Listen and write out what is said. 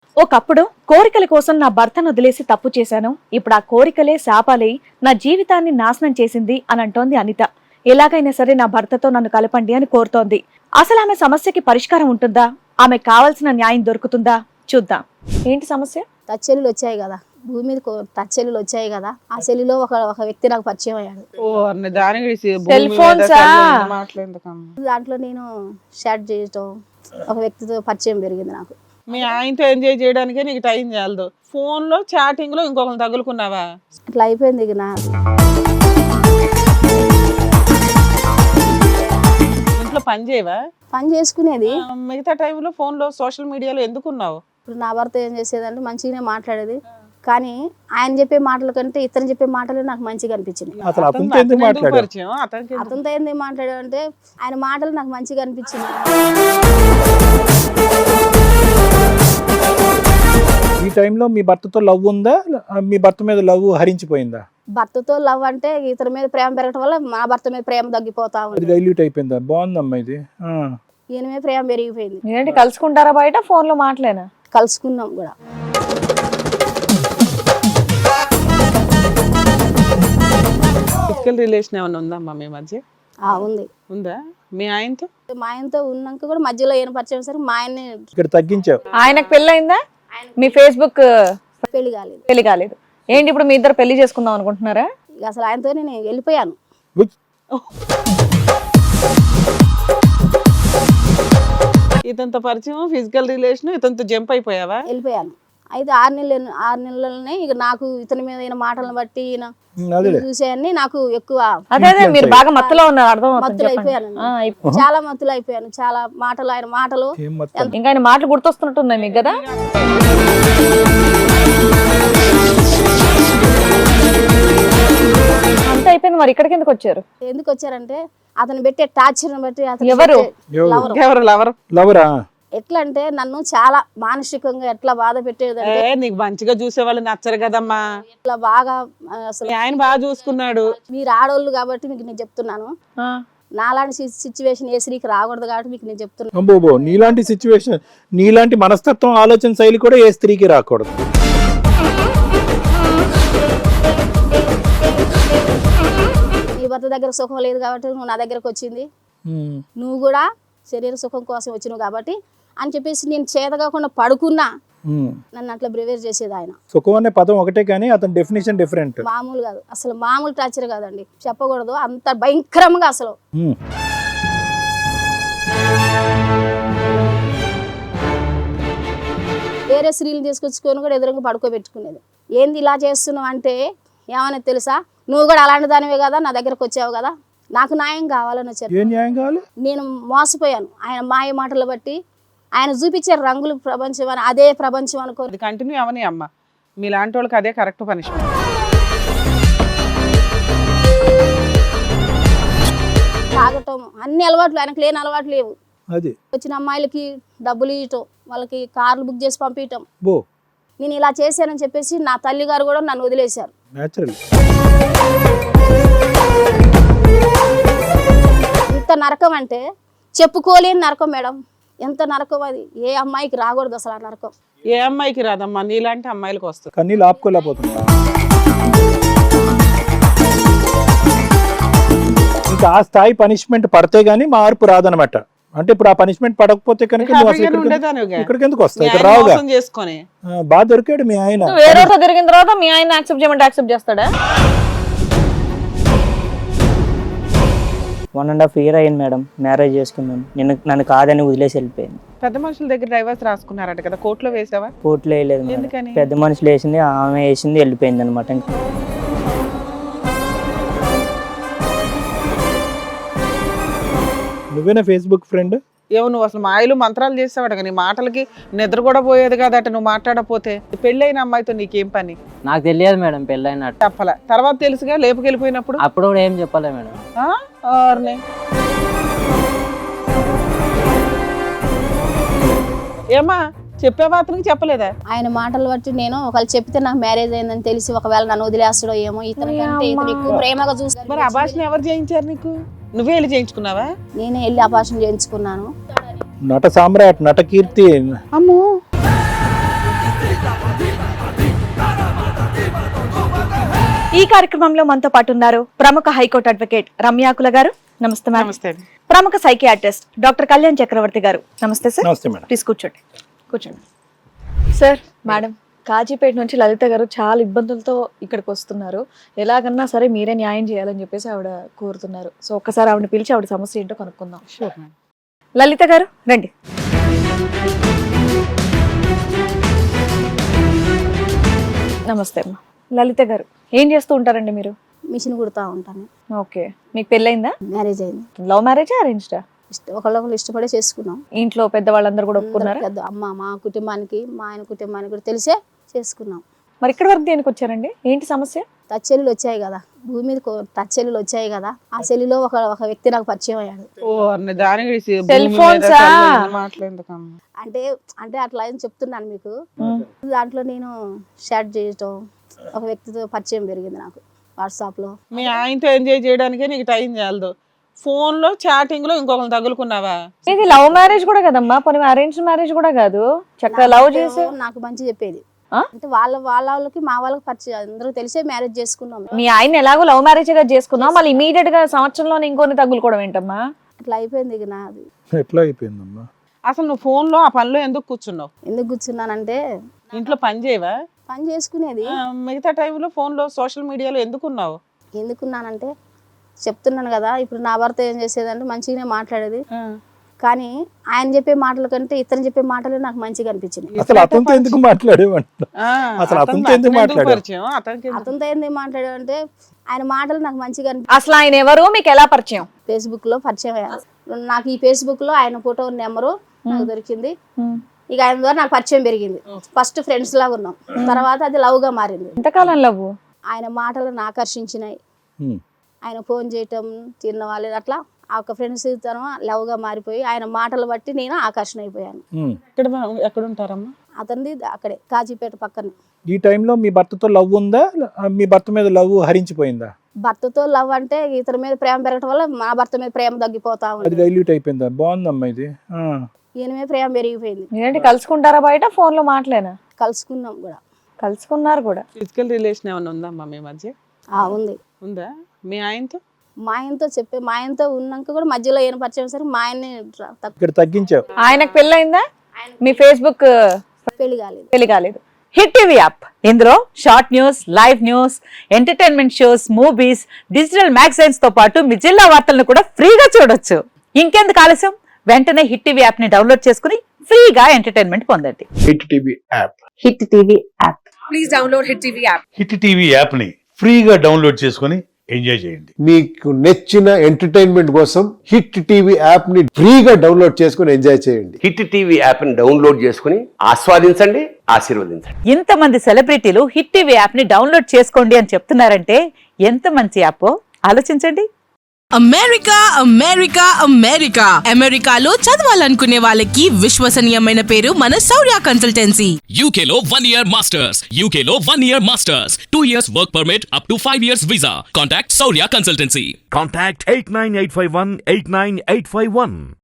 ఒకప్పుడు కోరికల కోసం నా భర్తను వదిలేసి తప్పు చేశాను. ఇప్పుడు ఆ కోరికలే శాపాలై నా జీవితాన్ని నాశనం చేసింది అని అంటోంది అనిత. ఎలాగైనా సరే నా భర్తతో నన్ను కలపండి అని కోరుతోంది. అసలు ఆమె సమస్యకి పరిష్కారం ఉంటుందా? ఆమె కావాల్సిన న్యాయం దొరుకుతుందా? చూద్దాం. ఏంటి సమస్య? టచ్చెల్లులు వచ్చాయి కదా, భూమి మీద టచ్చెల్లులు వచ్చాయి కదా, ఆ సెల్లులో ఒక వ్యక్తి నాకు పరిచయం అయ్యాడు. సెల్ ఫోన్సా? దాంట్లో నేను షాట్ చేయటం, ఒక వ్యక్తితో పరిచయం పెరిగింది నాకు. మీ ఆయనతో ఎంజాయ్ చేయడానికే నీకు టైం చాలదు, ఫోన్ లో చాటింగ్ లో ఇంకొకరు తగులుకున్నావా? అట్లా అయిపోయింది. ఇక నా ఇంట్లో పని చేయవా? పని చేసుకునేది. మిగతా టైంలో ఫోన్ లో సోషల్ మీడియాలో ఎందుకున్నావు? ఇప్పుడు నా భర్త ఏం చేసేదంటే మంచిగానే మాట్లాడేది, కానీ ఆయన చెప్పే మాటల కంటే ఇతను చెప్పే మాటలు నాకు మంచిగా అనిపించింది. అతనితో ఏంది మాట్లాడాడంటే ఆయన మాటలు నాకు మంచిగా అనిపించింది. ఈ టైంలో మీ భర్తతో లవ్ ఉందా? మీ భర్త మీద లవ్ హరించిపోయిందా? భర్తతో లవ్ అంటే ఇతని మీద ప్రేమ పెరగటం వల్ల మా భర్త మీద ప్రేమ తగ్గిపోతా ఉంది. డైల్యూట్ అయిపోయిందా? బాగుందమ్మా ఇది. ఈయన మీద ప్రేమ పెరిగిపోయింది. ఏంటి కలుసుకుంటారా బయట? ఫోన్ లో మాటలేనా? కలుసుకున్నాం కూడా. ఫిజికల్ రిలేషన్ ఏమైనా ఉందమ్మా మీ మధ్య? ఉంది. ఉందా? మీ ఆయనతో? మా ఆయనతో ఉన్నాక కూడా మధ్యలో ఏం పరిచయం సరే మా ఆయన్ని ఇక్కడ తగ్గించావు. ఆయనకు పెళ్ళయిందా? మీ ఫేస్బుక్ పెళ్లి కాలేదు. పెళ్లి కాలేదు. ఏంటి ఇప్పుడు మీ ఇద్దరు పెళ్లి చేసుకుందాం అనుకుంటున్నారా? ఇక అసలు ఆయనతో నేను వెళ్ళిపోయాను. ఇతనితో పరిచయం, ఫిజికల్ రిలేషన్, ఇతనితో జంప్ అయిపోయావా? వెళ్ళిపోయాను. అయితే 6 నెలలనే ఇక నాకు ఇతని మీద అయిన మాటలను బట్టి చూసేయన్ని నాకు ఎక్కువ అదే మీరు బాగా మత్తులో ఉన్నారు. అర్థం మత్తులు అయిపోయాను. చాలా మత్తులు అయిపోయాను. చాలా మాటలు, ఆయన మాటలు ఇంకా ఆయన మాటలు గుర్తొస్తున్నట్టున్నాయి మీకు కదా? అంత అయిపోయింది. మరి ఇక్కడికి ఎందుకు వచ్చారు? ఎందుకు వచ్చారంటే అతను పెట్టే టార్చర్ బట్టి. లవరా? ఎట్లా అంటే నన్ను చాలా మానసికంగా ఎట్లా బాధ పెట్టేదంటే, నీకు మంచిగా చూసే వాళ్ళు నచ్చరు కదమ్మా. ఇట్లా బాగా అసలు ఆయన బాగా చూసుకున్నాడు. మీరు ఆడవాళ్ళు కాబట్టి మీకు నేను చెప్తున్నాను, నాలాంటి సిచ్యువేషన్ ఏ స్త్రీకి రాకూడదు కాబట్టి మీకు నేను చెప్తున్నాను. నీలాంటి సిచ్యువేషన్, నీలాంటి మనస్తత్వం, ఆలోచన శైలి కూడా ఏ స్త్రీకి రాకూడదు. నీ భర్త దగ్గర సుఖం లేదు కాబట్టి నువ్వు నా దగ్గరకు వచ్చింది, నువ్వు కూడా శరీర సుఖం కోసం వచ్చినావు కాబట్టి అని చెప్పేసి నేను చేతగాకుండా పడుకున్నా నన్ను అట్లా బ్రివేర్ చేసేది ఆయన. సుఖం అనే పదం ఒకటే కానీ అతని డెఫినేషన్ డిఫరెంట్. మామూలు కాదు, అసలు మామూలు టార్చర్ కాదండి, చెప్పకూడదు, అంత భయంకరంగా. అసలు వేరే స్త్రీలు తీసుకొచ్చుకొని కూడా ఎదురుగా పడుకోబెట్టుకునేది. ఏంది ఇలా చేస్తున్నావు అంటే ఏమనేది తెలుసా, నువ్వు కూడా అలాంటి దానివే కదా, నా దగ్గరకు వచ్చావు కదా, నాకు న్యాయం కావాలని వచ్చారు. నేను మోసపోయాను ఆయన మాయ మాటలు బట్టి. ఆయన చూపించే రంగులు ప్రపంచం అని, అదే ప్రపంచం అనుకో. కంటిన్యూ అవని అమ్మ, మీలాంటి వాళ్ళకి అదే కరెక్ట్ పనిష్మెంట్. తాగటం, అన్ని అలవాట్లు ఆయనకు లేని అలవాట్లు లేవు. అది వచ్చిన అమ్మాయిలకి డబ్బులు ఇవ్వటం, వాళ్ళకి కార్లు బుక్ చేసి పంపించటం. నేను ఇలా చేశానని చెప్పేసి నా తల్లి గారు కూడా నన్ను వదిలేశారు. ఇంత నరకం అంటే చెప్పుకోలేని నరకం మేడం. ఎంత నరకం అది, ఏ అమ్మాయికి రాకూడదు అసలు ఆ నరకం. ఏ అమ్మాయికి రాదమ్మా, నీలాంటి అమ్మాయిలకు వస్తుంది. కన్నీళ్ళు ఆపుకోలేకపోతున్నా. ఇంకా ఆ స్థాయి పనిష్మెంట్ పడితే గానీ మార్పు రాదనమాట. అంటే ఇప్పుడు ఆ పనిష్మెంట్ పడకపోతే కనుక ఇక్కడికి ఎందుకు వస్తాయి? ఇక్కడ రావుగా. బాగా దొరికాడు మీ ఆయన. వేరే దొరికిన తర్వాత మీ ఆయన యాక్సెప్ట్ చేయమంటే యాక్సెప్ట్ చేస్తాడా? 1.5 year అయింది మేడం మ్యారేజ్ చేసుకున్నాను. నన్ను కాదని వదిలేసి వెళ్ళిపోయింది. పెద్ద మనుషుల దగ్గర డైవర్స్ రాసుకున్నారట కదా, కోర్టులో వేసావా? కోర్టులో వేయలేదు. పెద్ద మనుషులు వేసింది, ఆమె వేసింది, వెళ్ళిపోయింది అనమాట. నువ్వేనా ఫేస్బుక్ ఫ్రెండ్? ఏమో నువ్వు అసలు మాయలు మంత్రాలు చేసేవాడు కానీ మాటలకి నిద్ర కూడా పోయేది కాదట నువ్వు మాట్లాడపోతే. పెళ్ళైన అమ్మాయితో నీకేం పని? నాకు తెలియదు మేడం పెళ్ళైనట్టు. చెప్పలే, తర్వాత తెలుసుగా లేపుకెళ్ళిపోయినప్పుడు. అప్పుడు కూడా ఏం చెప్పలే మేడం. ఏమా చెప్పే మాత్రం చెప్పలేదా? ఆయన మాటలు బట్టి నేను ఒకళ్ళు చెప్తే నాకు మ్యారేజ్ అయిందని తెలిసి ఒకవేళ నన్ను వదిలేస్తాడో ఏమో, ఇతనికంటే ఇతను ఎక్కువ ప్రేమగా చూస్తాను. మరి అభాషణ ఎవరు చేయించారు నీకు? నువ్వే వెళ్ళి చేయించుకున్నావా? నేనే వెళ్ళి అభాషణ చేయించుకున్నాను. నట సామ్రాట్, నట కీర్తి. అమ్మో, ఈ కార్యక్రమంలో మనతో పాటు ఉన్నారు ప్రముఖ హైకోర్టు అడ్వకేట్ రమ్యాకుల గారు. నమస్తే మేడం. నమస్తే. ప్రముఖ సైకియాట్రిస్ట్ డాక్టర్ కళ్యాణ్ చక్రవర్తి గారు. నమస్తే సార్. నమస్తే మేడం. ప్లీజ్ కూర్చోండి. కూర్చోండి సార్. మేడం, కాజీపేట నుంచి లలిత గారు చాలా ఇబ్బందులతో ఇక్కడికి వస్తున్నారు. ఎలాగన్నా సరే మీరే న్యాయం చేయాలని చెప్పేసి ఆవిడ కోరుతున్నారు. సో ఒక్కసారి ఆవిడని పిలిచి ఆవిడ సమస్య ఏంటో కనుక్కుందాం. లలిత గారు రండి. నమస్తే అమ్మా. లలిత గారు, ఏం చేస్తూ ఉంటారండి మీరు? మిషన్ కుడతా ఉంటాను. ఓకే, మీకు పెళ్ళైందా? మ్యారేజ్ అయింది. లవ్ మ్యారేజా అరేంజ్డా? ఒకళ్ళొకళ్ళు ఇష్టపడే చేసుకున్నాం. ఇంట్లో పెద్దవాళ్ళందరూ కూడా ఒప్పుకున్నారా? పెద్ద అమ్మ మా కుటుంబానికి మా ఆయన కుటుంబానికి కూడా తెలిసే చేసుకున్నాం. మరి ఇక్కడ వరకు దేనికి వచ్చారండి? ఏంటి సమస్య? టచ్చెల్లులు వచ్చాయి కదా, భూమి మీద టచ్చెల్లులు వచ్చాయి కదా, ఆ సెల్లులో ఒక వ్యక్తి నాకు పరిచయం అయ్యాడు. సెల్ ఫోన్సా? అంటే అంటే అట్లా అని చెప్తున్నాను మీకు. దాంట్లో నేను షాట్ చేయటం, ఒక వ్యక్తితో పరిచయం పెరిగింది నాకు వాట్సాప్ లో. మీ ఆయనతో ఎంజాయ్ చేయడానికే నీకు టైం చాలదు, ఫోన్ లో చాటింగ్ లో ఇంకొకరిని తగులుకున్నావా? ఇది లవ్ మ్యారేజ్ కూడా కదమ్మా, పోనీ అరేంజ్ మ్యారేజ్ కూడా కాదు. చక్కగా లవ్ చేసి నాకు మంచి చెప్పేది. అంటే వాళ్ళకి మా వాళ్ళకి పరిచయం, అందరూ తెలిసే మ్యారేజ్ చేసుకున్నాం. మీ ఆయన ఎలాగో లవ్ మ్యారేజ్ గా చేసుకున్నాం, మళ్ళీ ఇమీడియట్ గా సంవత్సరంలో ఇంకొన్ని తగులుకోవడం ఏంటమ్మా? అట్లా అయిపోయింది ఇక నాది. ఎట్లా అయిపోయిందమ్మా? అసలు నువ్వు ఫోన్ లో ఆ పనిలో ఎందుకు కూర్చున్నావు? ఎందుకు కూర్చున్నానంటే ఇంట్లో పని చేయవా? పని చేసుకునేది. మిగతా టైంలో ఫోన్ లో సోషల్ మీడియాలో ఎందుకున్నావు? ఎందుకున్నానంటే చెప్తున్నాను కదా, ఇప్పుడు నా భర్త ఏం చేసేదంటే మంచిగానే మాట్లాడేది, కానీ ఆయన చెప్పే మాటల కంటే ఇతను చెప్పే మాటలు నాకు మంచిగా అనిపించింది. అసలు అతనితో ఎందుకు మాట్లాడేవంట? అసలు అతనితో ఎందుకు మాట్లాడావు? అతనితో ఎందుకు మాట్లాడావంటే ఆయన మాటలు నాకు మంచిగా అనిపించింది. అసలు ఆయన ఎవరు, మీకు ఎలా పరిచయం? ఫేస్బుక్ లో పరిచయం అయ్యారు నాకు. ఈ ఫేస్బుక్ లో ఆయన ఫోటో నెంబరు నాకు దొరికింది. ఇక ఆయన ద్వారా నాకు పరిచయం పెరిగింది. ఫస్ట్ ఫ్రెండ్స్ లాగా ఉన్నాం, తర్వాత అది లవ్ గా మారింది. ఎంతకాలం లవ్? ఆయన మాటలను ఆకర్షించినాయి. ఆయన ఫోన్ చేయటం, తిన్న వాళ్ళు అట్లా ఒక ఫ్రెండ్స్ తను లవ్ గా మారిపోయి ఆయన మాటలు బట్టి నేను ఆకర్షణ అయిపోయాను. ఎక్కడ ఉంటారమ్మా? అతనిది అక్కడే కాజీపేట పక్కనే. ఈ టైంలో మీ భర్తతో లవ్ ఉందా? మీ భర్త మీద లవ్ హరించిపోయిందా? భర్తతో లవ్ అంటే ఇతని మీద ప్రేమ పెరగటం వల్ల మా భర్త మీద ప్రేమ తగ్గిపోతా ఉంది. అది డైల్యూట్ అయిపోయిందా? బాగుందమ్మా ఇది. ఈయన మీద ప్రేమ పెరిగిపోయింది. ఏంటి కలుసుకుంటారా బయట? ఫోన్ లో మాటలేనా? కలుసుకున్నాం కూడా. కలుసుకున్నారు కూడా. ఫిజికల్ రిలేషన్ ఏమైనా ఉందమ్మా మీ మధ్య? ఉంది. ఉందా? మీ ఆయనతో? మా ఆయనతో ఉన్నాక కూడా మధ్యలో ఏం పరిచయం సరే మా ఆయన్ని ఇక్కడ తగ్గించావు. ఆయనకు పెళ్ళైందా? మీ ఫేస్బుక్ పెళ్లి కాలేదు. హిట్ టీవీ యాప్, ఇందులో short news, live news, entertainment shows, movies, digital magazines తో పాటు మీ జిల్లా వార్తలను కూడా ఫ్రీగా చూడొచ్చు. ఇంకెందుకు ఆలస్యం, వెంటనే హిట్ టీవీ యాప్ ని డౌన్లోడ్ చేసుకుని ఫ్రీగా ఎంటర్టైన్మెంట్ పొందండి. Hit TV app. Hit TV app. Please download hit TV app. Hit TV app ని ఫ్రీగా డౌన్లోడ్ చేసుకుని ఎంజాయ్ చేయండి. మీకు నచ్చిన ఎంటర్టైన్మెంట్ కోసం హిట్ టీవీ యాప్ ని ఫ్రీగా డౌన్లోడ్ చేసుకుని ఎంజాయ్ చేయండి. హిట్ టీవీ యాప్ ని డౌన్లోడ్ చేసుకుని ఆస్వాదించండి, ఆశీర్వదించండి. ఇంతమంది సెలబ్రిటీలు హిట్ టీవీ యాప్ ని డౌన్లోడ్ చేసుకోండి అని చెప్తున్నారంటే ఎంత మంచి యాప్ ఆలోచించండి. అమెరికా అమెరికా అమెరికా అమెరికాలో చదవాలనుకునే వాళ్ళకి విశ్వసనీయమైన పేరు మన శౌర్య కన్సల్టెన్సీ. UK లో 1 year masters, UK లో 1 year masters, 2 years work permit up to 5 years visa. Contact Saurya Consultancy. Contact 89851 89851.